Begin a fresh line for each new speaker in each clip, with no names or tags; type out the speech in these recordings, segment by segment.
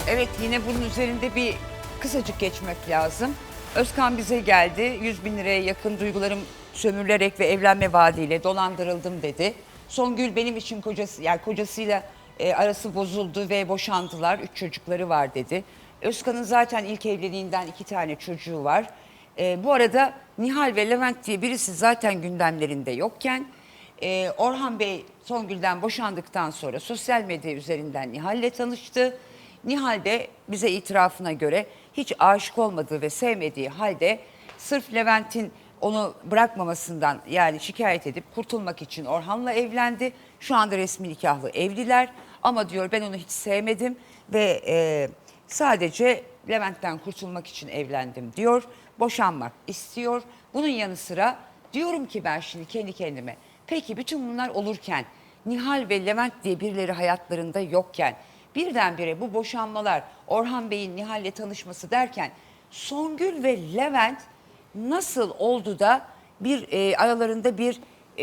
Evet, yine bunun üzerinde bir kısacık geçmek lazım. Özkan bize geldi. 100.000 liraya yakın duygularım sömürülerek ve evlenme vaadiyle dolandırıldım dedi. Songül benim için kocası, yani kocasıyla arası bozuldu ve boşandılar. 3 çocukları var dedi. Özkan'ın zaten ilk evliliğinden 2 tane çocuğu var. Bu arada Nihal ve Levent diye birisi zaten gündemlerinde yokken Orhan Bey Songül'den boşandıktan sonra sosyal medya üzerinden Nihal'le tanıştı. Nihal de bize itirafına göre hiç aşık olmadığı ve sevmediği halde sırf Levent'in onu bırakmamasından yani şikayet edip kurtulmak için Orhan'la evlendi. Şu anda resmi nikahlı evliler ama diyor ben onu hiç sevmedim ve sadece Levent'ten kurtulmak için evlendim diyor. Boşanmak istiyor. Bunun yanı sıra diyorum ki ben şimdi kendi kendime peki bütün bunlar olurken Nihal ve Levent diye birileri hayatlarında yokken birdenbire bu boşanmalar Orhan Bey'in Nihal'le tanışması derken Songül ve Levent nasıl oldu da bir aralarında bir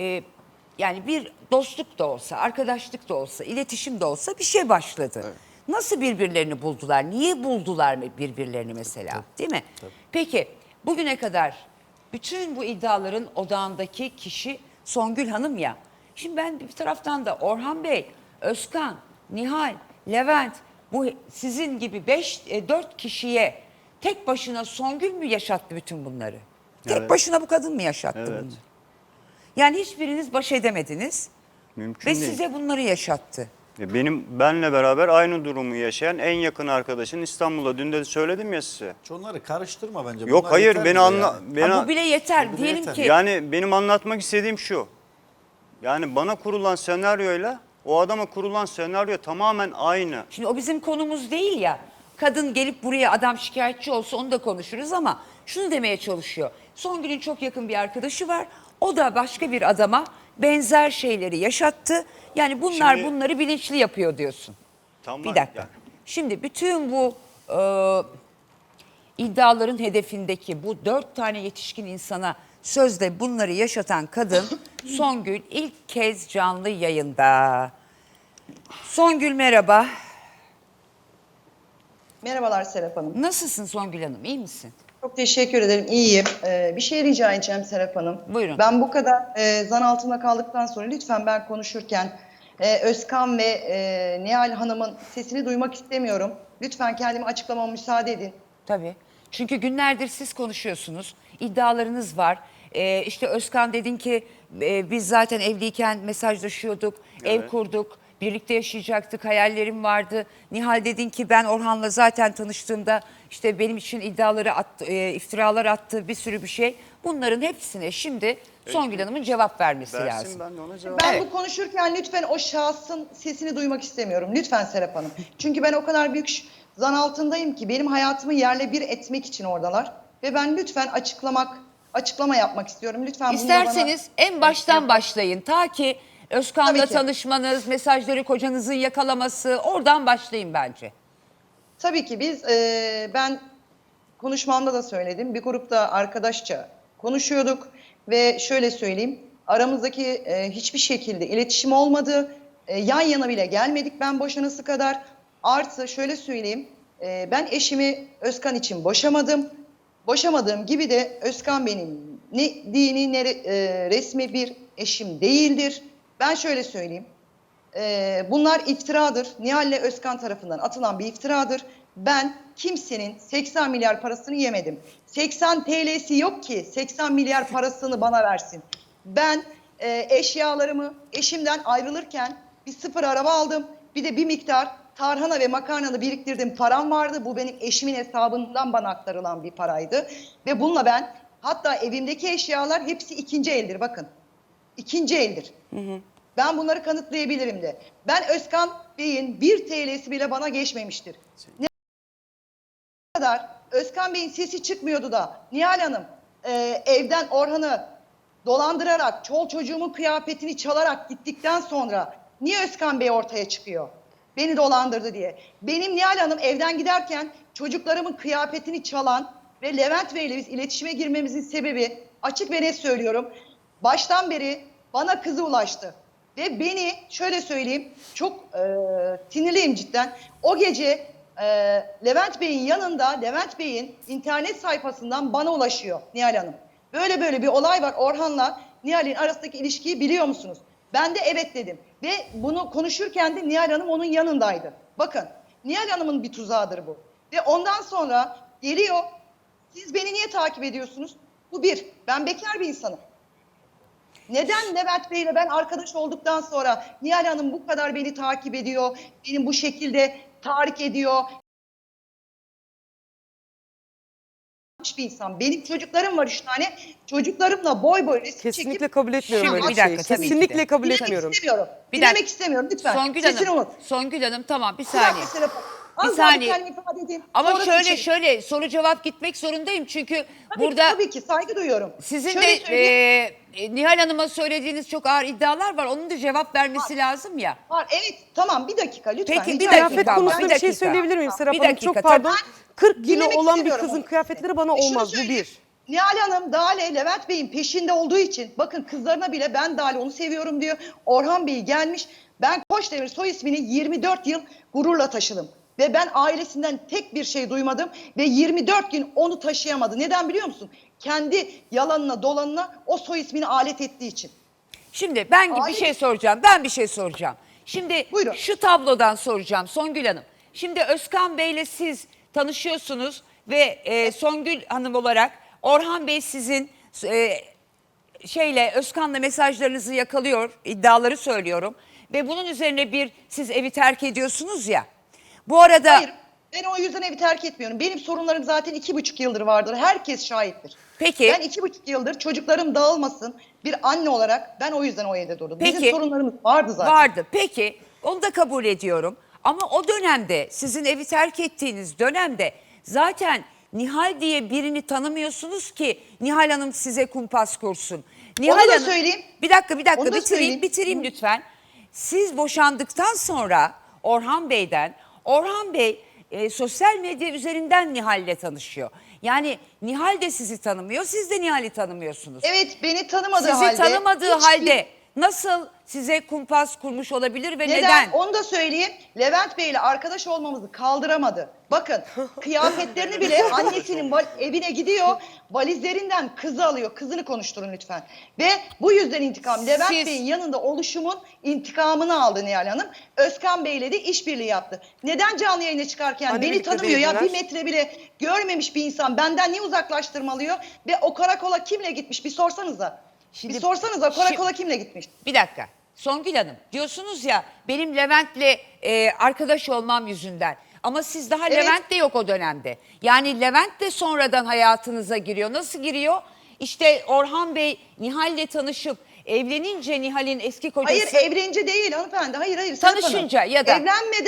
yani bir dostluk da olsa, arkadaşlık da olsa, iletişim de olsa bir şey başladı. Evet. Nasıl birbirlerini buldular? Niye buldular birbirlerini mesela? Tabii. Değil mi? Tabii. Peki bugüne kadar bütün bu iddiaların odağındaki kişi Songül Hanım ya. Şimdi ben bir taraftan da Orhan Bey, Özkan, Nihal, Levent bu sizin gibi 4 kişiye tek başına Songül mü yaşattı bütün bunları? Evet. Tek başına bu kadın mı yaşattı bunları? Yani hiçbiriniz baş edemediniz. Mümkün değil. Size bunları yaşattı.
Benle beraber aynı durumu yaşayan en yakın arkadaşın İstanbul'da. Dün de söyledim ya size.
Onları karıştırma bence.
Yok
bunlar
hayır beni anla.
Yani. Bu bile yeter.
bile
Diyelim
yeter.
ki.
Yani benim anlatmak istediğim şu. Yani bana kurulan senaryoyla o adama kurulan senaryo tamamen aynı.
Şimdi o bizim konumuz değil ya. Kadın gelip buraya adam şikayetçi olsa onu da konuşuruz ama şunu demeye çalışıyor. Songül'ün çok yakın bir arkadaşı var. O da başka bir adama benzer şeyleri yaşattı. Yani bunlar bunları bilinçli yapıyor diyorsun.
Tamam,
bir dakika.
Yani.
Şimdi bütün bu iddiaların hedefindeki bu 4 tane yetişkin insana sözde bunları yaşatan kadın Songül ilk kez canlı yayında. Songül merhaba.
Merhabalar Serap Hanım.
Nasılsın Songül Hanım, iyi misin?
Çok teşekkür ederim, iyiyim. Bir şey rica edeceğim Serap Hanım.
Buyurun.
Ben bu kadar zan altında kaldıktan sonra lütfen ben konuşurken Özkan ve Nihal Hanım'ın sesini duymak istemiyorum. Lütfen kendimi açıklamama müsaade edin.
Tabii. Çünkü günlerdir siz konuşuyorsunuz, iddialarınız var. İşte Özkan dedin ki biz zaten evliyken mesajlaşıyorduk, ev kurduk. Birlikte yaşayacaktık, hayallerim vardı. Nihal dedin ki ben Orhan'la zaten tanıştığımda işte benim için iddiaları attı, iftiralar attı, bir sürü bir şey. Bunların hepsine şimdi Songül Hanım'ın cevap vermesi lazım.
Ben de ona cevap
Ben bu konuşurken lütfen o şahsın sesini duymak istemiyorum. Lütfen Serap Hanım. Çünkü ben o kadar büyük zan altındayım ki benim hayatımı yerle bir etmek için oradalar. Ve ben lütfen açıklama yapmak istiyorum. Lütfen
İsterseniz en baştan başlayın. Ta ki Özkan'la tanışmanız, mesajları kocanızın yakalaması, oradan başlayın bence.
Tabii ki ben konuşmamda da söyledim. Bir grupta arkadaşça konuşuyorduk ve şöyle söyleyeyim. Aramızdaki hiçbir şekilde iletişim olmadı. Yan yana bile gelmedik ben boşanası kadar. Artı şöyle söyleyeyim. Ben eşimi Özkan için boşamadım. Boşamadığım gibi de Özkan benim ne dini ne resmi bir eşim değildir. Ben şöyle söyleyeyim. Bunlar iftiradır. Nihal ile Özkan tarafından atılan bir iftiradır. Ben kimsenin 80 milyar parasını yemedim. 80 TL'si yok ki 80 milyar parasını bana versin. Ben eşyalarımı eşimden ayrılırken bir sıfır araba aldım. Bir de bir miktar tarhana ve makarnanı biriktirdim param vardı. Bu benim eşimin hesabından bana aktarılan bir paraydı. Ve bununla ben hatta evimdeki eşyalar hepsi ikinci eldir bakın. İkinci eldir. Ben bunları kanıtlayabilirim de. Ben Özkan Bey'in 1 TL'si bile bana geçmemiştir. Ne kadar Özkan Bey'in sesi çıkmıyordu da Nihal Hanım evden Orhan'ı dolandırarak, çol çocuğumun kıyafetini çalarak gittikten sonra niye Özkan Bey ortaya çıkıyor? Beni dolandırdı diye. Benim Nihal Hanım evden giderken çocuklarımın kıyafetini çalan ve Levent Bey ile biz iletişime girmemizin sebebi açık ve net söylüyorum. Baştan beri bana kızı ulaştı. Ve beni şöyle söyleyeyim çok sinirliyim cidden. O gece Levent Bey'in yanında, Levent Bey'in internet sayfasından bana ulaşıyor Nihal Hanım. Böyle böyle bir olay var, Orhan'la Nihal'in arasındaki ilişkiyi biliyor musunuz? Ben de evet dedim. Ve bunu konuşurken de Nihal Hanım onun yanındaydı. Bakın, Nihal Hanım'ın bir tuzağıdır bu. Ve ondan sonra geliyor, siz beni niye takip ediyorsunuz? Bu bir, ben bekar bir insanım. Neden Levent Bey'le ben arkadaş olduktan sonra Nihal Hanım bu kadar beni takip ediyor, benim bu şekilde tahrik ediyor? Bir insan. Benim çocuklarım var 3 tane. Çocuklarımla boy boy resim
Kesinlikle
çekip...
kabul etmiyorum
Şimdi
öyle
bir
bir şeyi.
dakika, tabii ki de.
Kesinlikle kabul
Dinlemek
etmiyorum.
istemiyorum.
Bir
Dinlemek
dakika.
istemiyorum lütfen.
Songül
Sesini
Hanım,
unut.
Songül Hanım tamam bir
Bir dakika,
saniye.
Serap Hanım. Az
Bir
daha
saniye.
kendimi ifade edeyim.
Ama
Sonra
şöyle
seçelim.
şöyle soru cevap gitmek zorundayım çünkü
Tabii
burada
ki, tabii ki saygı duyuyorum.
sizin
Şöyle
de
söyleyeyim.
Nihal Hanım'a söylediğiniz çok ağır iddialar var. Onun da cevap vermesi lazım ya.
Var, evet tamam bir dakika lütfen.
Peki,
rica
bir
ediyorum.
dakika
Kıyafet
ama,
konusunda
bir
bir şey
dakika.
söyleyebilir miyim Serap
Bir
Hanım?
dakika,
Çok pardon. 40 kilo
Dinlemek
olan bir
istemiyorum
kızın
onu.
kıyafetleri bana
Şunu
olmaz. Bu
söyleyeyim.
bir.
Nihal Hanım Dale Levent Bey'in peşinde olduğu için bakın kızlarına bile ben Dale onu seviyorum diyor. Orhan Bey gelmiş. Ben Koçdemir soy ismini 24 yıl gururla taşıdım. Ve ben ailesinden tek bir şey duymadım ve 24 gün onu taşıyamadı. Neden biliyor musun? Kendi yalanına dolanına o soy ismini alet ettiği için.
Şimdi ben bir
Hayır.
şey soracağım. Ben bir şey soracağım. Şimdi
Buyurun.
şu tablodan soracağım Songül Hanım. Şimdi Özkan Bey'le siz tanışıyorsunuz ve Songül Hanım olarak Orhan Bey sizin Özkan'la mesajlarınızı yakalıyor, iddiaları söylüyorum. Ve bunun üzerine siz evi terk ediyorsunuz ya. Bu arada
Hayır, ben o yüzden evi terk etmiyorum. Benim sorunlarım zaten 2,5 yıldır vardır. Herkes şahittir.
Peki.
Ben 2,5 yıldır çocuklarım dağılmasın bir anne olarak ben o yüzden o evde durdum.
Peki.
Bizim sorunlarımız vardı zaten.
Vardı. Peki onu da kabul ediyorum. Ama o dönemde sizin evi terk ettiğiniz dönemde zaten Nihal diye birini tanımıyorsunuz ki Nihal Hanım size kumpas kursun. Nihal
da
Hanım,
söyleyeyim.
Bir dakika
Onu da söyleyeyim.
bitireyim lütfen. Siz boşandıktan sonra Orhan Bey sosyal medya üzerinden Nihal'le tanışıyor. Yani Nihal de sizi tanımıyor, siz de Nihal'i tanımıyorsunuz.
Evet, beni tanımadığı
Sizi
halde.
tanımadığı
hiçbir-
halde nasıl size kumpas kurmuş olabilir ve
Neden?
neden?
Onu da söyleyeyim. Levent Bey ile arkadaş olmamızı kaldıramadı. Bakın kıyafetlerini bile annesinin evine gidiyor. Valizlerinden kızı alıyor. Kızını konuşturun lütfen. Ve bu yüzden intikam. Levent
Siz-
Bey'in yanında oluşumun intikamını aldı Nihal Hanım. Özkan Bey'le de işbirliği yaptı. Neden canlı yayına çıkarken
Hani
beni
birlikte
tanımıyor ya,
değildiler.
bir metre bile görmemiş bir insan benden niye uzaklaştırmalıyor? Ve o karakola kimle gitmiş bir sorsanıza.
Şimdi-
bir sorsanıza karakola kimle gitmiş?
Bir dakika. Songül Hanım diyorsunuz ya benim Levent'le arkadaş olmam yüzünden. Ama siz daha
Evet.
Levent de yok o dönemde. Yani Levent de sonradan hayatınıza giriyor. Nasıl giriyor? İşte Orhan Bey Nihal'le tanışıp evlenince Nihal'in eski kocası...
Hayır evlenince değil hanımefendi. Hayır. Serap
Tanışınca
Hanım.
ya da-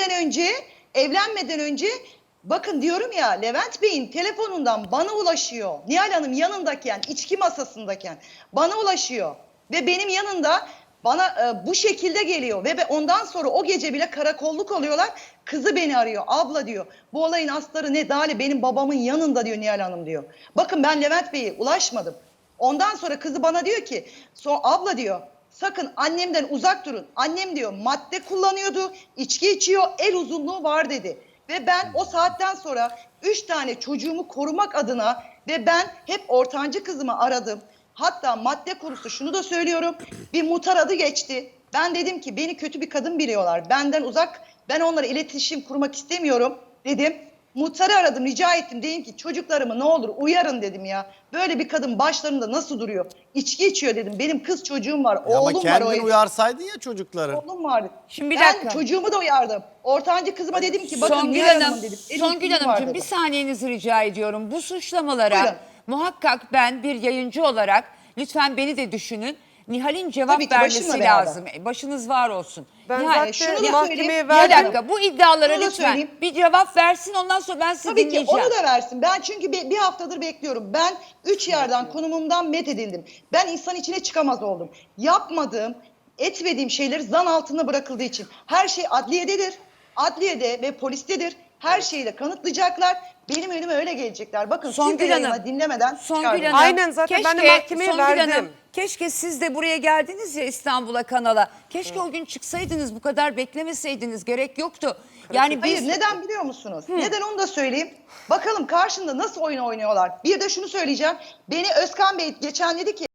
Evlenmeden önce bakın diyorum ya Levent Bey'in telefonundan bana ulaşıyor. Nihal Hanım yanındayken, içki masasındayken bana ulaşıyor. Ve benim yanında bana bu şekilde geliyor. Ve ondan sonra o gece bile karakolluk oluyorlar. Kızı beni arıyor. Abla diyor. Bu olayın asları ne? Dale benim babamın yanında diyor Nihal Hanım diyor. Bakın ben Levent Bey'e ulaşmadım. Ondan sonra kızı bana diyor ki abla diyor sakın annemden uzak durun. Annem diyor madde kullanıyordu, içki içiyor, el uzunluğu var dedi. Ve ben o saatten sonra 3 tane çocuğumu korumak adına ve ben hep ortancı kızımı aradım. Hatta madde kurusu şunu da söylüyorum. Bir muhtar adı geçti. Ben dedim ki beni kötü bir kadın biliyorlar. Benden uzak, ben onlara iletişim kurmak istemiyorum dedim. Muhtarı aradım, rica ettim. Dedim ki çocuklarımı ne olur uyarın dedim ya. Böyle bir kadın başlarında nasıl duruyor? İçki içiyor dedim. Benim kız çocuğum var,
Ama
oğlum var o
kendin
evde.
uyarsaydın ya çocukları.
Oğlum vardı.
Şimdi bir
ben
dakika.
çocuğumu da uyardım. Ortancı kızıma dedim ki bakın
Songül
Nihal
Hanım,
Hanım dedim. benim
Songül
kızım var
Hanımcığım
dedim.
bir saniyenizi rica ediyorum. Bu suçlamalara
Buyurun.
muhakkak ben bir yayıncı olarak lütfen beni de düşünün. Nihal'in cevap
Tabii ki,
vermesi
başımla beraber.
lazım. Başınız var olsun.
Ben
Nihal,
zaten
şunu da
mahkemeye
söyleyeyim.
bir
verdim.
dakika bu iddialara
Şunu da
lütfen
söyleyeyim.
bir cevap versin ondan sonra ben sizi
Tabii ki
dinleyeceğim.
onu da versin. Ben çünkü bir haftadır bekliyorum. Ben 3 yerden konumumdan met edildim. Ben insan içine çıkamaz oldum. Yapmadığım, etmediğim şeyler zan altında bırakıldığı için. Her şey adliyededir. Adliyede ve polistedir. Her şeyi de kanıtlayacaklar. Benim önüme öyle gelecekler. Bakın
Songül
siz de yayına
Hanım,
dinlemeden
Songül
çıkardınız.
Hanım,
Aynen, zaten ben de mahkemeye
Songül
verdim.
Hanım, keşke siz de buraya geldiniz ya İstanbul'a, kanala. Keşke o gün çıksaydınız, bu kadar beklemeseydiniz, gerek yoktu. Yani biz...
Hayır, neden biliyor musunuz? Neden onu da söyleyeyim. Bakalım karşında nasıl oyun oynuyorlar. Bir de şunu söyleyeceğim. Beni Özkan Bey geçen dedi ki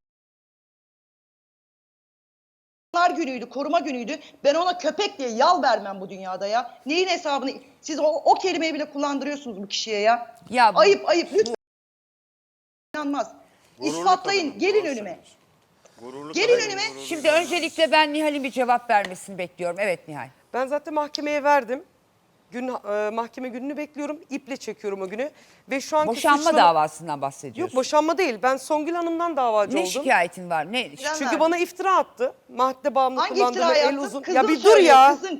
günüydü, koruma günüydü. Ben ona köpek diye yal vermem bu dünyada ya. Neyin hesabını? Siz o kelimeyi bile kullandırıyorsunuz bu kişiye ya.
Ya bu-
Ayıp lütfen. İnanmaz. İspatlayın. Gelin önüme. Gelin önüme.
Şimdi öncelikle ben Nihal'in bir cevap vermesini bekliyorum. Evet Nihal.
Ben zaten mahkemeye verdim. Mahkeme gününü bekliyorum. İple çekiyorum o günü. Ve şu anki
Boşanma
suçlama-
davasından
Yok,
bahsediyorsun.
boşanma değil. Ben Songül Hanım'dan davacı
Ne
oldum.
şikayetin var? Ne?
Neden
Çünkü
verdin?
bana iftira attı. Madde bağımlı
Hangi
kullandığımı,
iftira
el
yaptın?
uzun.
Kızın
Ya bir dur
söylüyor,
ya.
Kızın.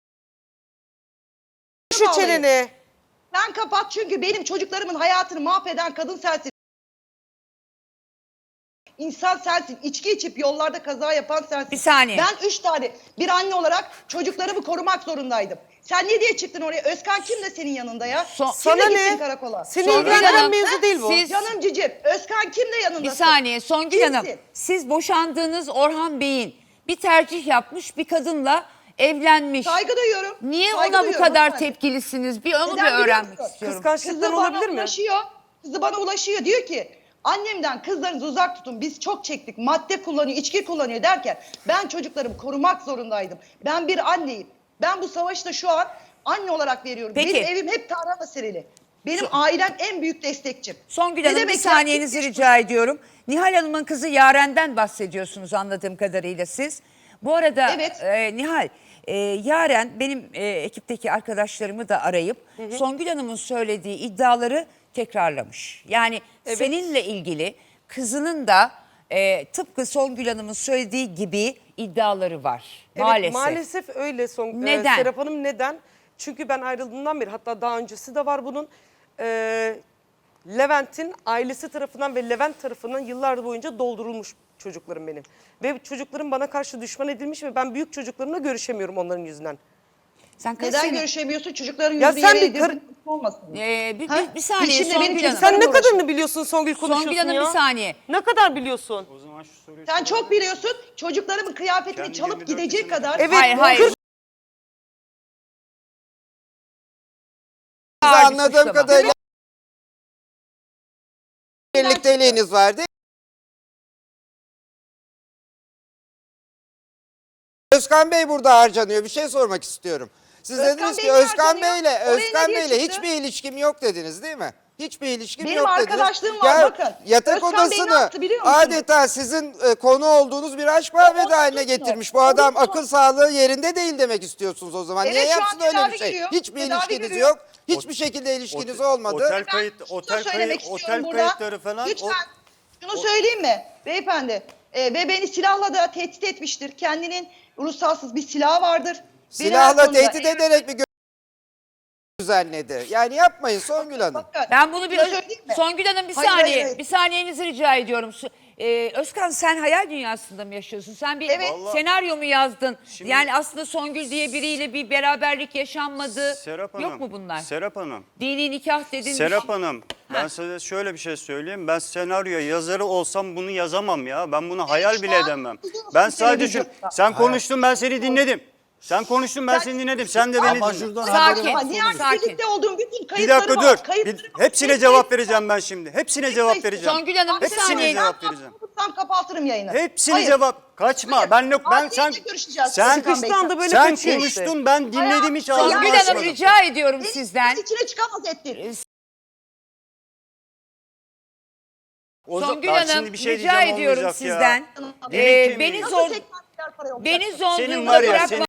Şu çeneni.
Sen kapat çünkü benim çocuklarımın hayatını mahveden kadın sensin. İnsan sensin. İçki içip yollarda kaza yapan sensin.
Bir saniye.
Ben 3 tane bir anne olarak çocuklarımı korumak zorundaydım. Sen ne diye çıktın oraya? Özkan kim de senin yanında ya?
Son-
Sana
Kimle
ne?
gittin karakola?
Seni
Songül
ilgilendiren
Hanım,
mevzu değil bu.
siz-
Canım cicim. Özkan kim de yanında?
Bir saniye Songül
Kimsin?
Hanım. Siz boşandığınız Orhan Bey'in bir tercih yapmış bir kadınla evlenmiş.
Saygı duyuyorum.
Niye
Saygı
ona bu
duyuyorum
kadar
hanımefendi.
tepkilisiniz? Bir onu
Neden
bir
biliyor
öğrenmek
musun?
istiyorum.
Kıskançlıktan
Kızı bana
olabilir mi?
ulaşıyor. Kızı bana ulaşıyor. Diyor ki annemden kızlarınızı uzak tutun. Biz çok çektik. Madde kullanıyor, içki kullanıyor derken ben çocuklarımı korumak zorundaydım. Ben bir anneyim. Ben bu savaşı da şu an anne olarak veriyorum.
Peki.
Benim evim hep tarhana serili. Benim ailem en büyük destekçim.
Songül
Ne
Hanım bir
demek
saniyenizi
ya?
rica ediyorum. Nihal Hanım'ın kızı Yaren'den bahsediyorsunuz anladığım kadarıyla siz. Bu arada
Evet.
Nihal, Yaren benim ekipteki arkadaşlarımı da arayıp Songül Hanım'ın söylediği iddiaları tekrarlamış. Yani
Evet.
seninle ilgili kızının da tıpkı Songül Hanım'ın söylediği gibi iddiaları var.
Evet,
Maalesef.
maalesef öyle
Neden?
Serap Hanım, neden? Çünkü ben ayrıldığımdan beri, hatta daha öncesi de var bunun. Levent'in ailesi tarafından ve Levent tarafından yıllar boyunca doldurulmuş çocuklarım benim. Ve çocuklarım bana karşı düşman edilmiş ve ben büyük çocuklarımla görüşemiyorum onların yüzünden.
Sen kaç
Neden
sene-
görüşemiyorsun? Çocukların
Ya
yüzü
sen
yere
bir kar-
edildi, olmasın.
Bir saniye
İçinde
Songül
benim
Hanım.
Sen ne
uğraşıyor.
kadarını biliyorsun Songül, konuşuyorsun
Songül Hanım
ya?
bir saniye.
Ne kadar biliyorsun?
O zaman şu soruyu
Sen çok biliyorsun. Çocuklarımın kıyafetini
Kendi
çalıp
24
gidecek
yaşında.
kadar.
Evet,
Hayır,
bu
hayır.
kız-
Ağır bir
Anladığım
suçlama.
kadarıyla birlikteliğiniz vardı. Özkan Bey burada harcanıyor. Bir şey sormak istiyorum. Siz
Özkan
dediniz
Bey
ki
mi
Özkan
harcanıyor?
Bey'le
Oraya ne diye çıktı?
hiçbir ilişkim yok dediniz değil mi? Hiçbir ilişkim
Benim
yok dediniz.
arkadaşlığım var, bakın.
Yatak
Özkan Bey ne
odasını
yaptı biliyor musunuz?
adeta sizin konu olduğunuz bir aşk muhabbeti haline getirmiş. Bu adam akıl sağlığı yerinde değil demek istiyorsunuz o zaman.
Evet,
Niye
şu an
yapsın öyle
tedavi
bir şey?
görüyor.
Hiçbir
Tedavi
ilişkiniz
görüyor.
yok. Hiçbir şekilde ilişkiniz olmadı.
Otel
Ben şunu da söylemek istiyorum
otel
burada.
kayıtları falan.
Lütfen şunu söyleyeyim mi beyefendi? Ve beni silahla da tehdit etmiştir. Kendinin ruhsatsız bir silahı vardır. Beni her
Silahla
konuda-
tehdit ederek bir düzenledi. Yani yapmayın Songül Hanım.
Bakın,
Ben bunu bir
şunu söyleyeyim mi?
Songül Hanım bir
Hayır,
saniye,
hayır, hayır.
bir saniyenizi rica ediyorum. Özkan sen hayal dünyasında mı yaşıyorsun? Sen bir
Evet.
Vallahi-
senaryo mu yazdın?
Şimdi-
Yani aslında Songül diye biriyle bir beraberlik yaşanmadı.
Serap Hanım.
Yok mu bunlar?
Serap Hanım.
Dini nikah dedin.
Serap Hanım, ben
Ha.
size şöyle bir şey söyleyeyim. Ben senaryo yazarı olsam bunu yazamam ya. Ben bunu hayal
şu
bile
an
edemem.
biliyorsun
Ben sadece şu...
televizyonda.
Sen konuştun, ben seni dinledim. Sen konuştun, ben seni dinledim. Sen de beni
Ama
dinle.
şuradan
Sakin.
Ama niye
Sakin.
birlikte olduğum bütün
Bir
kayıtları
dakika
var.
dur.
Kayıtları var.
Hepsine
Tek
cevap
tek-
vereceğim ben şimdi. Hepsine cevap vereceğim.
Songül Hanım bir
Hepsine
saniye.
cevap vereceğim.
Tam kapatırım yayını.
Hepsine
Hayır.
cevap. Kaçma.
Hayır.
Ben
Adliyeyle görüşeceğiz
sen
Özkan Bey.
Sıkıştı anda böyle
sen
kaçıyor işte.
konuştun, ben dinledim, hiç ağzımı
Songül Hanım
açmadım.
rica ediyorum
Beni
sizden.
içine çıkamaz ettin.
Songül
Bak
Hanım
şimdi bir şey
rica
diyeceğim,
ediyorum
olmayacak ya.
sizden.
Benim
Beni
kimliğim.
zor
Nasıl
beni zor
Senin
durumda
var ya,
bırakma.
senin-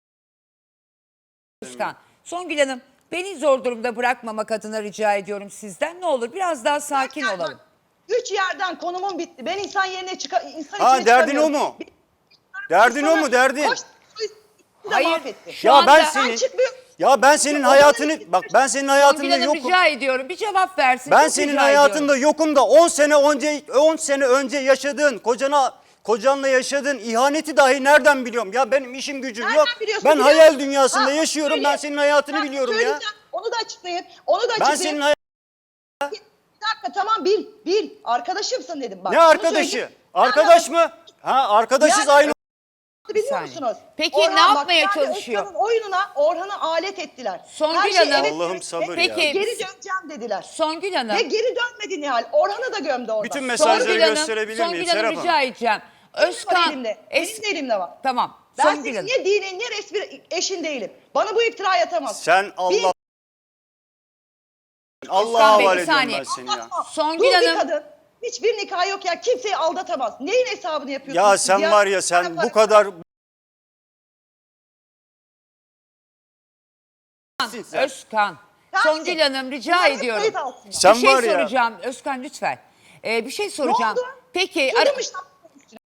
Özkan. Songül Hanım beni zor durumda bırakmamak adına rica ediyorum sizden. Ne olur biraz daha sakin olalım.
3 yerden konumum bitti. Ben insan yerine insan
Ha,
içine
derdin o
çıkamıyorum.
mu? Derdin o mu, derdin?
Hayır.
Hayır.
Şu
Ya
anda-
ben
Ben
senin
çıkmıyorum.
ya ben senin
Ondan
hayatını
önce-
bak, ben senin
Songül
hayatında
Hanım
yokum.
rica ediyorum bir cevap versin.
Ben
Çok
senin
rica
hayatında
ediyorum.
yokum da 10 sene önce yaşadığın kocanla yaşadığın ihaneti dahi nereden biliyorum? Ya benim işim gücüm
Nereden
yok.
biliyorsun,
Ben
biliyor
hayal
musun?
dünyasında
Ha,
yaşıyorum.
söyle.
Ben senin hayatını
Ha,
biliyorum ya.
söyleyeceğim. Onu da açıklayayım. Onu da
Ben
açıklayayım.
senin
Bir dakika tamam bil. Arkadaşımsın dedim bak.
ne
Şunu
arkadaşı?
söyleyeyim.
Arkadaş mı? Ha, arkadaşız
Yani-
aynı.
Biliyor
saniye.
musunuz?
Peki ne yapmaya
bak,
çalışıyor?
Özkan'ın oyununa Orhan'ı alet ettiler.
Songül
Her şey
Hanım-
evet
Allah'ım
demek
sabır
ve
ya.
Peki-
Geri döneceğim dediler.
Songül Hanım.
Ve geri dönmedi Nihal. Orhan'ı da gömdü orada.
Bütün mesajları
Songül Hanım,
gösterebilir miyim
Songül Hanım
Serap Hanım?
rica edeceğim.
Benim var
Özkan.
elimde. Benim de elimde var.
Tamam.
Ben
Songül
senin
Hanım.
ne dinin ne resmi eşin değilim. Bana bu iftirayı atamaz.
Sen Allah... Allah'a
Özkan Bey,
havale
bir
ediyorum
saniye.
ben seni ya.
Anlatma.
Songül
Dul bir
Hanım-
kadın. Hiçbir nikah yok ya. Kimseyi aldatamaz. Neyin hesabını yapıyorsunuz
Ya
siz
sen var ya sen
Bana
bu kadar...
Özkan.
Sensin.
Songül Hanım rica
Bunlar hep
ediyorum.
kayıt altında.
Sen
bir şey
var ya-
soracağım. Özkan lütfen. Bir şey soracağım.
oldu?
Peki
Kırılmış lan.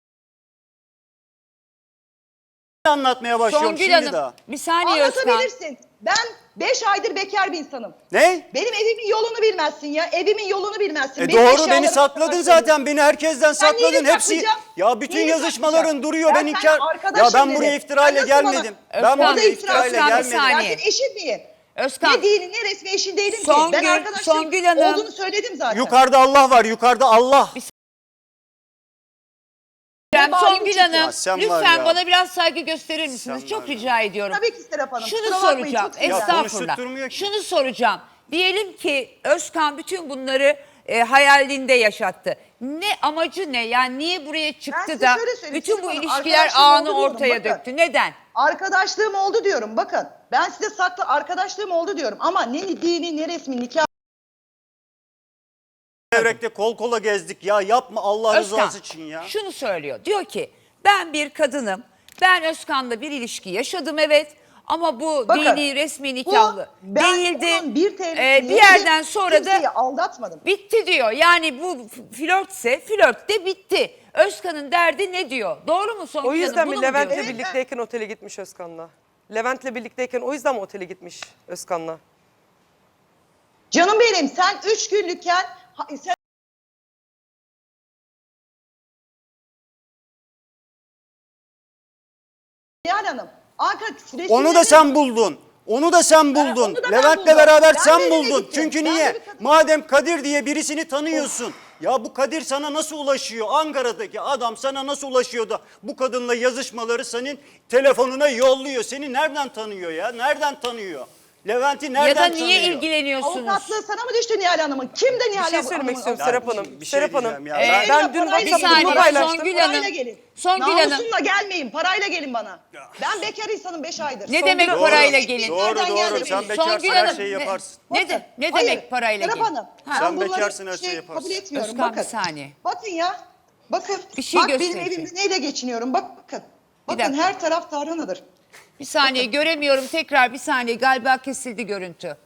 anlatmaya başlıyorum
Songül
şimdi
Hanım
daha.
bir saniye Özkan.
Anlatabilirsin. Ben 5 aydır bekar bir insanım.
Ne?
Benim evimin yolunu bilmezsin ya. Evimin yolunu bilmezsin. Benim
Doğru
eşyalarımı
beni sakladın
sakladın.
zaten. Beni herkesten
Sen
sakladın.
neyini
Hepsi
saklayacağım?
ya bütün
Neyini
yazışmaların
saklayacağım?
duruyor.
Ben
Ben
seninle
inkar. Ya
arkadaşım
ben
dedim.
buraya iftirayla
Sen nasıl bana-
gelmedim.
Özkan,
Ben buraya
Özkan,
iftirayla
bir
gelmedim.
saniye.
Ben senin eşin miyim?
Özkan.
Ne dinin ne resmi eşin değilim ki.
Songül-
Ben arkadaşım
Songül Hanım-
olduğunu söyledim zaten.
Yukarıda Allah var. Yukarıda Allah.
Songül
çıktı.
Hanım
Ya sen var
lütfen
ya.
bana biraz saygı gösterir misiniz?
Sen
Çok
var ya.
rica ediyorum.
Tabii ki Serap Hanım.
Şunu
kusura bakmayın,
soracağım.
çok sinirlendim.
Estağfurullah.
konuşturmuyor ki.
Şunu soracağım. Diyelim ki Özkan bütün bunları hayalinde yaşattı. Ne amacı ne? Yani niye buraya çıktı
size
da
şöyle söyleyeyim,
bütün
Serap
bu
Hanım,
ilişkiler
arkadaşlarım
ağını
oldu diyorum,
ortaya
bakın.
döktü? Neden?
Arkadaşlığım oldu diyorum bakın. Ben size saklı arkadaşlığım oldu diyorum. Ama ne dini ne resmi nikah.
Devrekte kol kola gezdik ya. Yapma Allah
Özkan
rızası için ya.
şunu söylüyor. Diyor ki ben bir kadınım. Ben Özkan'la bir ilişki yaşadım evet. Ama bu
Bakın,
dini resmi nikahlı
ben
değildi.
onun bir
Bir yerden sonra da
kimseyi aldatmadım.
bitti diyor. Yani bu flörtse flört de bitti. Özkan'ın derdi ne diyor? Doğru mu Songül
O
Hanım?
yüzden
Bunu
mi
mu
Levent'le
diyor?
birlikteyken otele gitmiş Özkan'la? Levent'le birlikteyken o yüzden mi otele gitmiş Özkan'la?
Canım benim sen 3 günlükken sen Nihal Hanım Ankara
Onu da sen buldun. Onu da sen buldun.
onu da ben
Levent'le
buldum.
beraber
Ben
sen
de
buldun.
gittim.
Çünkü
Ben de
niye?
bir kadın-
Madem Kadir diye birisini tanıyorsun. Ya bu Kadir sana nasıl ulaşıyor? Ankara'daki adam sana nasıl ulaşıyor da bu kadınla yazışmaları senin telefonuna yolluyor. Seni nereden tanıyor ya? Nereden tanıyor? Levent'i nereden
Ya da
tanıyor?
niye ilgileniyorsunuz?
avukatlığı sana mı düştü Nihal Hanım'ın? Kim de Nihal
Bir şey
Hanım'ın?
söylemek istiyorum
Ya
Serap
bir
Hanım.
şey- bir şey
Serap Hanım.
diyeceğim ya.
Ben dün
Parayla
WhatsApp'ta
saniye,
bunu paylaştım.
Songül
Parayla
Hanım.
gelin.
Songül Hanım.
Namusumla gelmeyin. Parayla gelin bana. Ben bekar insanım 5 aydır.
Ne demek
Doğru,
parayla gelin?
Doğru
Nereden
doğru.
geldi
Sen
benim?
bekarsın
Songül
her
Hanım,
şeyi yaparsın.
Ne
Hayır,
demek parayla
Serap
gelin?
Hanım,
Ha.
ben
Sen
bunları
bekarsın, her şeyi yaparsın.
kabul etmiyorum.
Özkan,
bakın.
bir saniye.
Bakın ya. Bakın.
Bir şey
Bak benim
gösterecek.
evimde neyle geçiniyorum. Bakın. Bakın
dakika.
her taraf tarhanadır.
Bir saniye göremiyorum tekrar bir saniye galiba kesildi görüntü.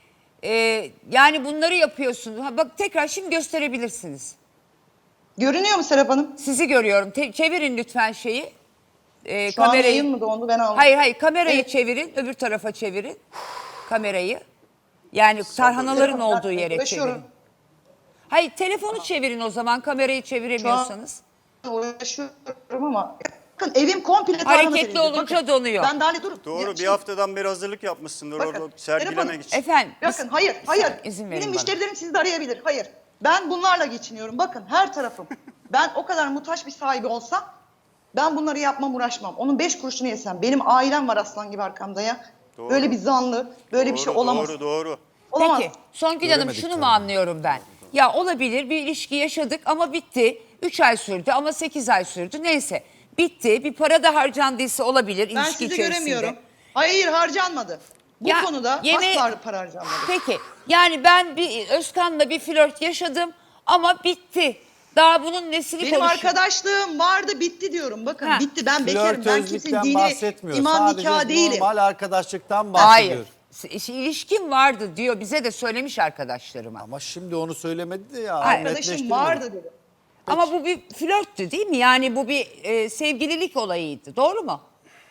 Yani bunları yapıyorsunuz. Ha, bak tekrar şimdi gösterebilirsiniz.
Görünüyor mu Serap Hanım?
Sizi görüyorum. Çevirin lütfen şeyi.
Şu an yayın mı dondu ben aldım.
Hayır kamerayı
Evet.
çevirin. Öbür tarafa çevirin. Kamerayı. Yani tarhanaların
Serap Hanım,
olduğu yere
uğraşıyorum.
çevirin. Hayır telefonu çevirin o zaman kamerayı çeviremiyorsanız.
Uğraşıyorum ama. Bakın evim komple tarhana
Hareketli
verildi.
olunca
Bakın,
donuyor.
Ben daha dur.
Doğru bir
Şey-
haftadan beri hazırlık yapmışsındır
Bakın,
orada
Serap
sergilemek
Hanım,
için.
Efendim.
Bakın hayır.
izin verin
Benim
bana.
müşterilerim sizi de arayabilir. Hayır. Ben bunlarla geçiniyorum. Bakın her tarafım. Ben o kadar muhtaç bir sahibi olsam ben bunları yapmam uğraşmam. Onun 5 kuruşunu yesem. Benim ailem var aslan gibi arkamda ya.
Doğru.
Böyle bir zanlı, böyle bir şey olamaz.
Doğru.
Olamaz.
Peki Songül Hanım şunu mu anlıyorum ben? Ya olabilir bir ilişki yaşadık ama bitti. 3 ay sürdü ama 8 ay sürdü neyse. Bitti bir para da harcandıysa olabilir
Ben
ilişki
sizi
içerisinde.
göremiyorum. Hayır harcanmadı. Bu
Ya,
konuda asla para harcanmadı.
Peki yani ben bir Özkan'la bir flört yaşadım ama bitti. Daha bunun nesini
Benim
konuşuyor?
arkadaşlığım vardı bitti diyorum. Bakın
Ha.
bitti ben bekarım. Ben kimsenin
Flörtözlükten
dini,
bahsetmiyor.
imam
Sadece
nikahı değilim.
normal arkadaşlıktan bahsediyor.
Hayır. İlişkim vardı diyor bize de söylemiş arkadaşlarıma.
Ama şimdi onu söylemedi de ya.
Hayır.
Arkadaşım
netleştirmedi.
vardı dedi.
Ama bu bir flörttü değil mi? Yani bu bir sevgililik olayıydı. Doğru mu?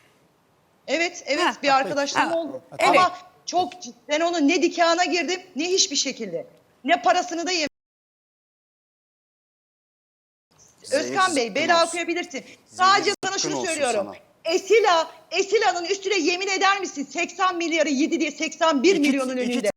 Evet
Ha,
bir arkadaşlığım
ha,
oldu.
evet.
Ama çok ben onun ne nikahına girdim ne hiçbir şekilde. Ne parasını da yemedim. Özkan Bey
zıkkım
bela
olsun.
okuyabilirsin. Sadece sana
zıkkım
şunu
olsun
söylüyorum.
sana.
Esila'nın üstüne yemin eder misin? 80 milyarı yedi diye 81 milyonun önünde.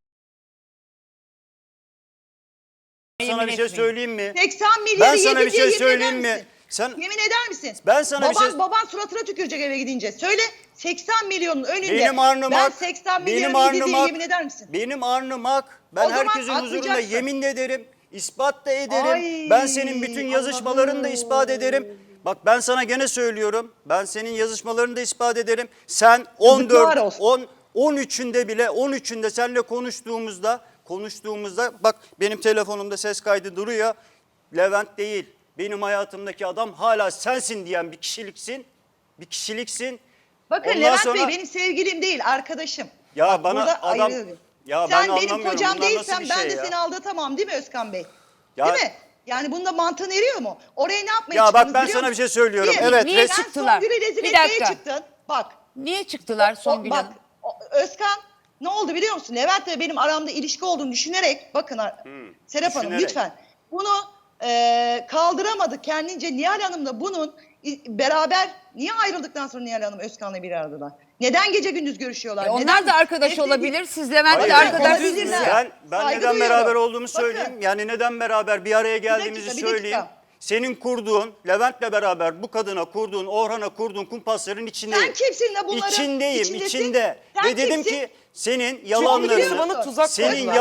Sana bir şey söyleyeyim mi?
80 milyarı
Ben sana
yedi
bir
diye
şey
yemin
söyleyeyim
eder
mi?
misin?
Sen
Yemin eder misin?
Ben sana bir şey-
Baban suratına tükürecek eve gidince. Söyle 80 milyonun önünde.
benim alnım
ben
hak,
80
benim
milyarı yedi diye
alnım hak,
yemin eder misin?
benim alnım hak. Ben
O zaman
herkesin huzurunda
atlayacaksın.
yemin de ederim, ispat da ederim.
Ay,
Ben senin bütün yazışmalarını da
Allah'ım.
ispat ederim. Bak ben sana gene söylüyorum. Ben senin yazışmalarını da ispat ederim. Sen 14,
olsun.
13'ünde seninle konuştuğumuzda bak benim telefonumda ses kaydı duruyor. Levent değil. Benim hayatımdaki adam hala sensin diyen bir kişiliksin. Bir kişiliksin.
Bakın
Ondan
Levent
sonra-
Bey benim sevgilim değil, arkadaşım.
Ya
Bak,
bana
burada
adam-
ayrılıyorum.
Ya ben
sen benim
anlamıyorum,
kocam
bunlar nasıl
değilsen
bir
ben
şey
de
ya?
seni aldatamam değil mi Özkan Bey?
Ya-
Değil mi? Yani bunda mantığın eriyor mu? Oraya ne yapmaya
Ya bak
çıktınız
ben
biliyor
sana bir
musun?
şey söylüyorum.
Bir,
Evet,
niye
sen
çıktılar?
Songül'ü rezil
Bir
etmeye
dakika.
çıktın. Bak.
Niye çıktılar Songül
Bak
Hanım?
Özkan ne oldu biliyor musun? Levent ve benim aramda ilişki olduğunu düşünerek bakın Serap Hanım
düşünerek.
lütfen bunu kaldıramadık kendince. Nihal Hanım da bunun beraber niye ayrıldıktan sonra Nihal Hanım Özkan'la bir aradalar? Neden gece gündüz görüşüyorlar?
Onlar
Neden?
da arkadaş
Nefret-
olabilir. Siz Levent'le
Hayır,
arkadaş
olabilirler.
mısınız?
Ben
Saygı
neden
duyuyorum.
beraber olduğumu
Bakın.
söyleyeyim. Yani neden beraber bir araya geldiğimizi
bir dakika.
söyleyeyim. Senin kurduğun, Levent'le beraber bu kadına kurduğun, Orhan'a kurduğun kumpasların içindeyim.
Sen kimsin de bunların
İçindeyim,
içindesin?
içinde.
Sen
Ve dedim
kimsin?
ki senin
Çünkü
yalanlarını,
bana tuzak
senin
kurdular.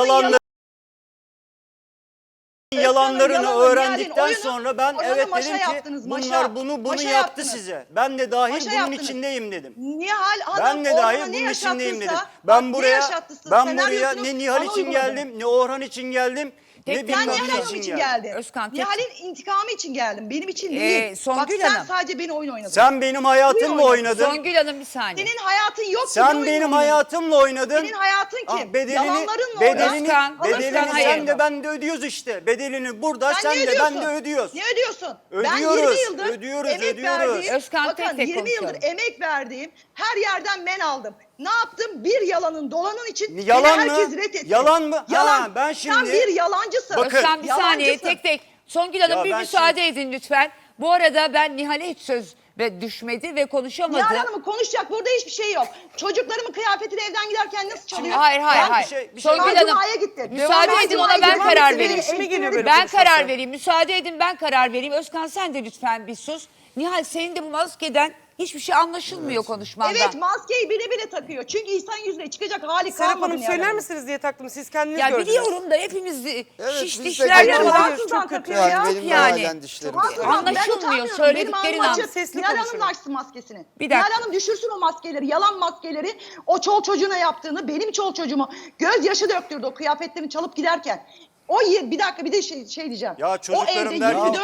yalanlarını
yalanı,
öğrendikten
Nihal'in
sonra ben
oyunu
evet
maşa
dedim ki
yaptınız, maşa.
bunlar bunu
Maşa
yaptı
yaptınız.
size. Ben de dahil
Maşa
bunun
yaptınız.
içindeyim dedim.
Nihal Hanım
Ben de
Orhan'a
dahil
ne
bunun içindeyim dedim.
yaşattıysa,
Ben
bak, ne
buraya
yaşattıysa
ben buraya
senaryosunu
ne Nihal
bana
için
uyguladın.
geldim, ne Orhan için geldim, ne
Tek-
bilmem
Sen Nihal
ne
Hanım
için
için
geldim.
geldin.
Özkan, tek-
Nihal'in intikamı için geldim. Benim için değil.
Songül
Bak sen
Hanım.
sadece beni oyun oynadın.
Sen benim hayatımla
Buyur
oynadın.
Songül Hanım bir saniye.
Senin hayatın yok ki. ne
Sen
oyun
benim
oynadın?
hayatımla oynadın.
Senin hayatın kim?
Ah, bedelini,
Yalanlarınla
bedelini,
Özkan,
bedelini
Özkan,
sen
hayır.
de ben de ödüyoruz işte. Bedelini burada
Sen
sen
ne
de ben
ödüyorsun?
de ödüyoruz.
Ne ödüyorsun? Ben
Ödüyoruz,
20 yıldır
ödüyoruz,
emek
ödüyoruz.
verdiğim,
Özkan,
bakın
tek tek
20 yıldır
konuşalım.
emek verdiğim her yerden men aldım. Ne yaptım? Bir yalanın dolanın için
Yalan
beni
mı?
herkes reddetti.
Yalan mı?
Yalan.
Ha, ben
Sen
şimdi-
bir yalancısın.
Bakın.
Özkan bir saniye
Yalancısın.
tek tek. Songül Hanım
Ya
bir
ben
müsaade edin lütfen. Bu arada ben Nihal'e hiç söz ve düşmedi ve konuşamadı.
Nihal Hanım'ın konuşacak burada hiçbir şey yok. Çocuklarımın kıyafetini evden giderken nasıl çalıyor?
Hayır
Ben-
bir şey-
Songül
Ben
Hanım
Cuma'ya gittim.
müsaade
Ben
edin
Cuma'ya
ona ben
gittim.
karar
Benim
vereyim.
işime geliyor böyle
Ben
konuşması.
karar vereyim. Müsaade edin ben karar vereyim. Özkan sen de lütfen bir sus. Nihal senin de bu maskeden hiçbir şey anlaşılmıyor konuşmandan.
Evet maskeyi bile bile takıyor. Çünkü insan yüzüne çıkacak hali
Serap
kalmadı.
Hanım
Nihal
söyler
Hanım.
misiniz diye taktım. Siz kendiniz
Ya
gördünüz.
biliyorum da hepimiz
biz
şiş
de
dişlerle
görüyoruz.
var.
Rahatsızdan
Çok kötü.
takıyor ya.
Yani benim de
Yani.
halen dişlerim.
Rahatsızdan.
Anlaşılmıyor,
Ben utanmıyorum.
söylediklerin
Benim alnım açık.
sesli
Nihal Hanım
konuşuyorum.
da açsın maskesini.
Bir dakika.
Nihal Hanım düşürsün o maskeleri, yalan maskeleri. O çol çocuğuna yaptığını, benim çol çocuğumu gözyaşı döktürdü o kıyafetlerini çalıp giderken. Bir dakika bir de şey diyeceğim.
Ya
o
çocuklarım
evde
der-
24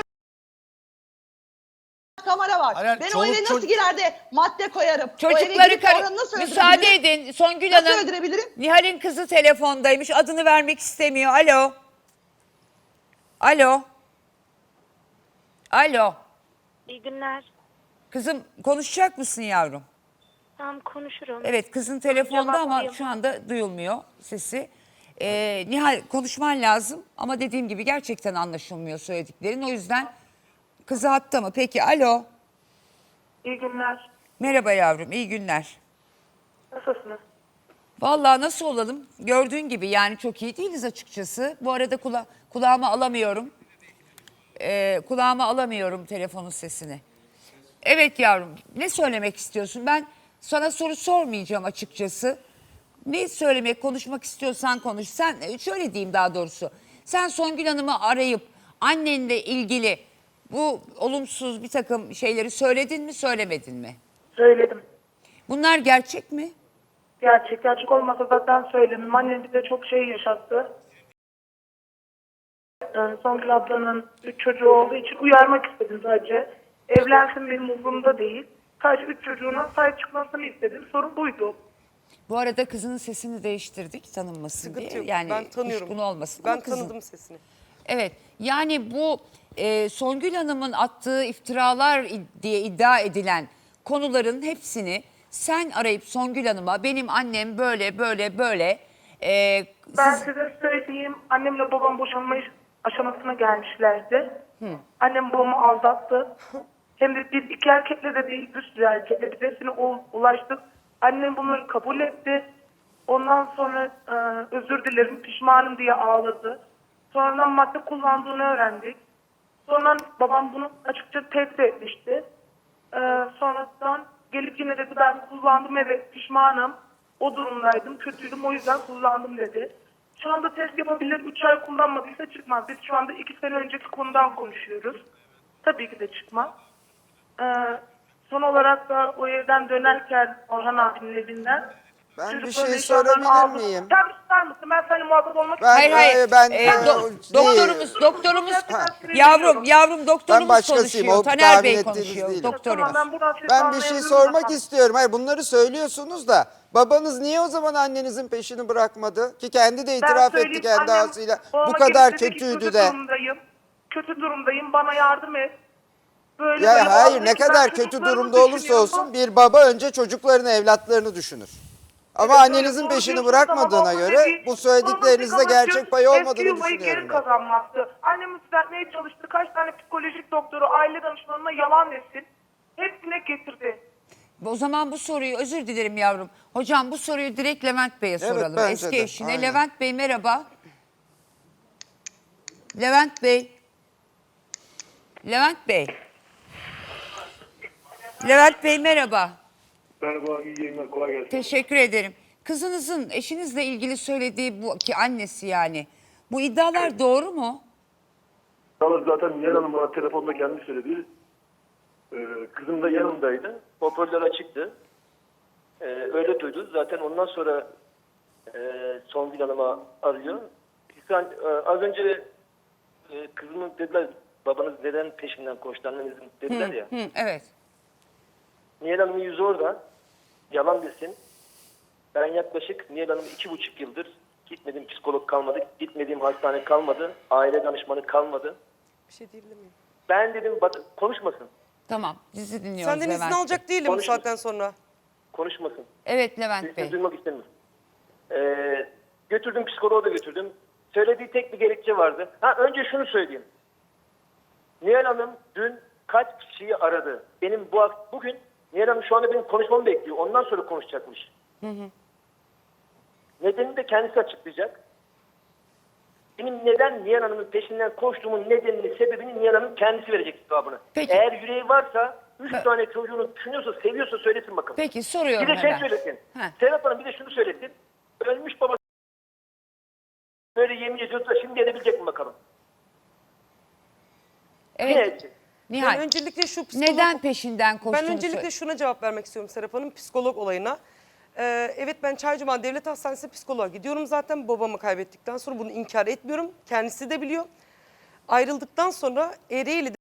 kamera var.
Hayır,
Ben o
çoluk
eve nasıl
çocuk-
girer de madde koyarım? O eve
Çocukları
girip Orhan'ı nasıl
müsaade
öldürebilirim?
edin. Songül
Nasıl
Hanım
öldürebilirim?
Nihal'in kızı telefondaymış. Adını vermek istemiyor. Alo. Alo. Alo.
İyi günler.
Kızım konuşacak mısın yavrum?
Tamam konuşurum.
Evet kızın telefonda ama
Cevaplayayım.
şu anda duyulmuyor sesi. Nihal konuşman lazım ama dediğim gibi gerçekten anlaşılmıyor söylediklerin. O yüzden kızı hatta mı? Peki alo.
İyi günler.
Merhaba yavrum iyi günler.
Nasılsınız?
Vallahi nasıl olalım? Gördüğün gibi yani çok iyi değiliz açıkçası. Bu arada kulağıma alamıyorum. Kulağıma alamıyorum telefonun sesini. Evet yavrum ne söylemek istiyorsun? Ben sana soru sormayacağım açıkçası. Ne söylemek, konuşmak istiyorsan konuş. Sen şöyle diyeyim daha doğrusu. Sen Songül Hanım'ı arayıp annenle ilgili bu olumsuz bir takım şeyleri söyledin mi, söylemedin mi?
Söyledim.
Bunlar gerçek mi?
Gerçek olmasa zaten söylemem. Annem bize çok şey yaşattı. Songül ablanın 3 çocuğu olduğu için uyarmak istedim sadece. Evlensin benim umurumda değil. Sadece 3 çocuğuna sahip çıkmasını istedim. Sorun buydu.
Bu arada kızının sesini değiştirdik tanınmasın
Sıkıntı
diye.
yok.
Yani
Ben tanıyorum.
kuşkun olmasın.
Ben
ama kızın-
tanıdım sesini.
Evet yani bu Songül Hanım'ın attığı iftiralar diye iddia edilen konuların hepsini sen arayıp Songül Hanım'a benim annem böyle böyle böyle
Ben size söyleyeyim. Annemle babam boşanma aşamasına gelmişlerdi. Annem babamı aldattı. Hem de biz iki erkekle de değil, bir sürü erkekle biz hepsine ulaştık. Annem bunları kabul etti. Ondan sonra özür dilerim, pişmanım diye ağladı. Sonradan madde kullandığını öğrendik. Sonra babam bunu açıkça tehdit etmişti. Sonradan gelip yine dedi ben kullandım, evet pişmanım. O durumdaydım, kötüydüm, o yüzden kullandım dedi. Şu anda test yapabilir, 3 ay kullanmadıysa çıkmaz. Biz şu anda 2 sene önceki konudan konuşuyoruz. Tabii ki de çıkmaz. Son olarak da o evden dönerken Orhan abinin evinden...
Ben bir
çocukların
şey
eşyalarını
sorabilir
aldım.
miyim?
Sen tutar mısın? Ben seninle muhatap olmak
Ben-
istiyorum.
Hayır.
ben-
Doktorumuz
Ben başkasıyım.
konuşuyor.
O
Taner
tahmin
Bey
ettiğiniz
konuşuyor.
değilim.
Doktorumuz.
Tamam, ben buradan seni
Ben bir şey
anlayabilirim
sormak
zaten.
istiyorum. Hayır, bunları söylüyorsunuz da babanız niye o zaman annenizin peşini bırakmadı? Ki kendi de
Ben
itiraf etti
söyleyeyim,
kendi
annem
ağzıyla.
babama
Bu kadar
gelip dedi ki,
kötüydü
kötü
de.
durumdayım, kötü durumdayım, bana yardım et. Böyle
Ya
böyle
hayır,
oldu.
ne
Ben
kadar kötü
çocuklarımı
durumda olursa
düşünüyorum.
olsun bir baba önce çocuklarını, evlatlarını düşünür. Ama
Evet,
annenizin
doğru
peşini
diyorsunuz ama
bırakmadığına
babamın
göre
dediği-
bu söylediklerinizde
babamın
gerçek payı olmadığını
eski yuvayı
düşünüyorum
geri
ben.
kazanmaktı. Annemi düzeltmeye çalıştı. Kaç tane psikolojik doktoru, aile danışmanına yalan desin. Hepsine getirdi.
O zaman bu soruyu, özür dilerim yavrum. Hocam bu soruyu direkt Levent Bey'e soralım.
bence
Eski
de,
eşine.
aynen.
Levent Bey merhaba. Levent Bey. Levent Bey. Levent Bey merhaba.
Merhaba, iyi yayınlar, kolay gelsin.
Teşekkür ederim. Kızınızın eşinizle ilgili söylediği bu ki annesi yani. Bu iddialar doğru mu?
Yalnız zaten Nihal Hanım bana telefonda kendi söyledi. Kızım da yanımdaydı. Hoparlör açıktı. Öyle duydu. Zaten ondan sonra Songül Hanım'a arıyor. Sen, az önce kızımın dediler, babanız neden peşinden koştu, annenizin dediler ya.
Hı, evet.
Nihal Hanım'ın yüzü orada. Yalan desin. Ben yaklaşık Nihal Hanım 2,5 yıldır gitmediğim psikolog kalmadı. Gitmediğim hastane kalmadı. Aile danışmanı kalmadı.
Bir şey diyebilir miyim?
Ben dedim konuşmasın.
Tamam, sizi dinliyoruz
Senden izin
Levent Bey.
alacak değilim bu
Konuşma.
saatten sonra.
Konuşmasın.
Evet Levent
Sesini
Bey.
duymak istemiyorum. Götürdüm, psikoloğa da götürdüm. Söylediği tek bir gerekçe vardı. Önce şunu söyleyeyim. Nihal Hanım dün kaç kişiyi aradı? Benim bugün Nihal Hanım şu anda benim konuşmamı bekliyor. Ondan sonra konuşacakmış. Nedenini de kendisi açıklayacak. Benim neden Nihal Hanım'ın peşinden koştuğumun nedenini, sebebini Nihal Hanım kendisi verecek cevabını.
Peki.
Eğer yüreği varsa, 3 tane çocuğunu düşünüyorsa, seviyorsa söylesin bakalım.
Peki soruyorum
Bir de şey
hemen.
söylesin.
Heh.
Serap Hanım bir de şunu söylesin. Ölmüş babası böyle yemin ediyordu da şimdi edebilecek mi bakalım? Yine
Evet.
edecek.
Nihal.
Ben öncelikle şu psikolog...
Neden peşinden koştuğunu
Ben öncelikle
söyle.
şuna cevap vermek istiyorum Serap Hanım, psikolog olayına. Evet, ben Çaycuma Devlet Hastanesi psikoloğa gidiyorum zaten. Babamı kaybettikten sonra bunu inkar etmiyorum. Kendisi de biliyor. Ayrıldıktan sonra Ereğli'de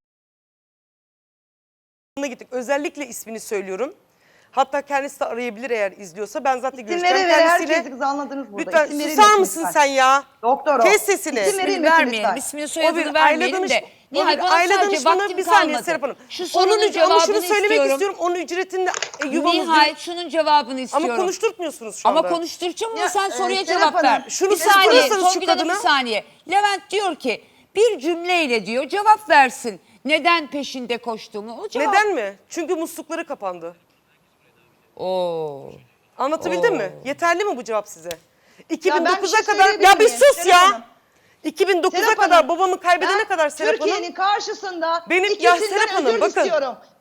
gittik. Özellikle ismini söylüyorum. Hatta kendisi de arayabilir eğer izliyorsa. Ben zaten
İsim
görüşeceğim
vere vere
kendisiyle.
herkesi kız anladınız burada.
Lütfen
İsim
susar
verilmesin
mısın
lütfen.
sen ya?
Doktor o.
Kes sesini.
İsim
İsmini
verilmesin
vermeyelim,
lütfen.
ismini
O
soyadını
bir aile
vermeyelim de. Nihal bana
aile
sadece
danışmanı
vaktim
bir saniye
kalmadı.
Serap Hanım.
Şu sorunun
Ama şunu
cevabını
söylemek istiyorum. Onun ücretinde yuvamız
Nihal
değil.
şunun cevabını istiyorum.
Ama konuşturtmuyorsunuz şu
Ama
anda.
konuşturacağım ama
Ya,
sen soruya
Serap
cevap ver.
Hanım,
şunu
bir saniye
sorarsanız şu
Songül Hanım bir
kadına-
saniye. Levent diyor ki bir cümleyle diyor cevap versin. Neden peşinde koştuğumu o cevap.
Neden mi? Çünkü muslukları kapandı.
Oo.
Anlatabildim mi? Yeterli mi bu cevap size?
Ya ben bir
2009'a
şey
kadar
söyleyebilir
ya bir
miyim?
sus
Serap
ya.
Hanım.
2009'a
Serap
kadar
Hanım,
babamı kaybedene
ben
kadar Serap
Türkiye'nin
Hanım.
karşısında
Benim- ya
ikisinden
Serap Hanım,
özür
bakın.
istiyorum.